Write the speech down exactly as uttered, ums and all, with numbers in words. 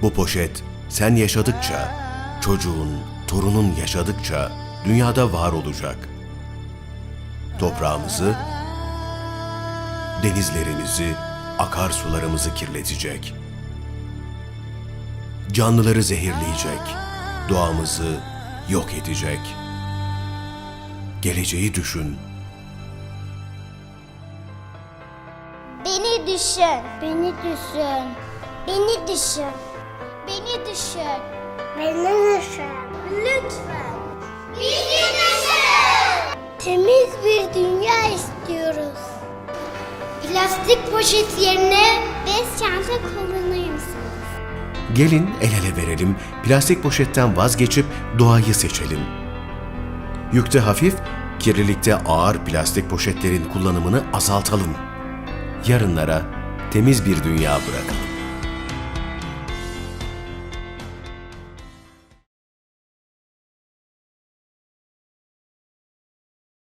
Bu poşet sen yaşadıkça, çocuğun, torunun yaşadıkça dünyada var olacak. Toprağımızı, denizlerimizi, akarsularımızı kirletecek. Canlıları zehirleyecek, doğamızı yok edecek. Geleceği düşün. Beni düşün. Beni düşün. Beni düşün. Beni düşün. Beni düşün. Lütfen. Bizi düşün. Temiz bir dünya istiyoruz. Plastik poşet yerine bez çanta kullanır mısınız? Gelin el ele verelim, plastik poşetten vazgeçip doğayı seçelim. Yükte hafif, kirlilikte ağır plastik poşetlerin kullanımını azaltalım. Yarınlara temiz bir dünya bırakalım.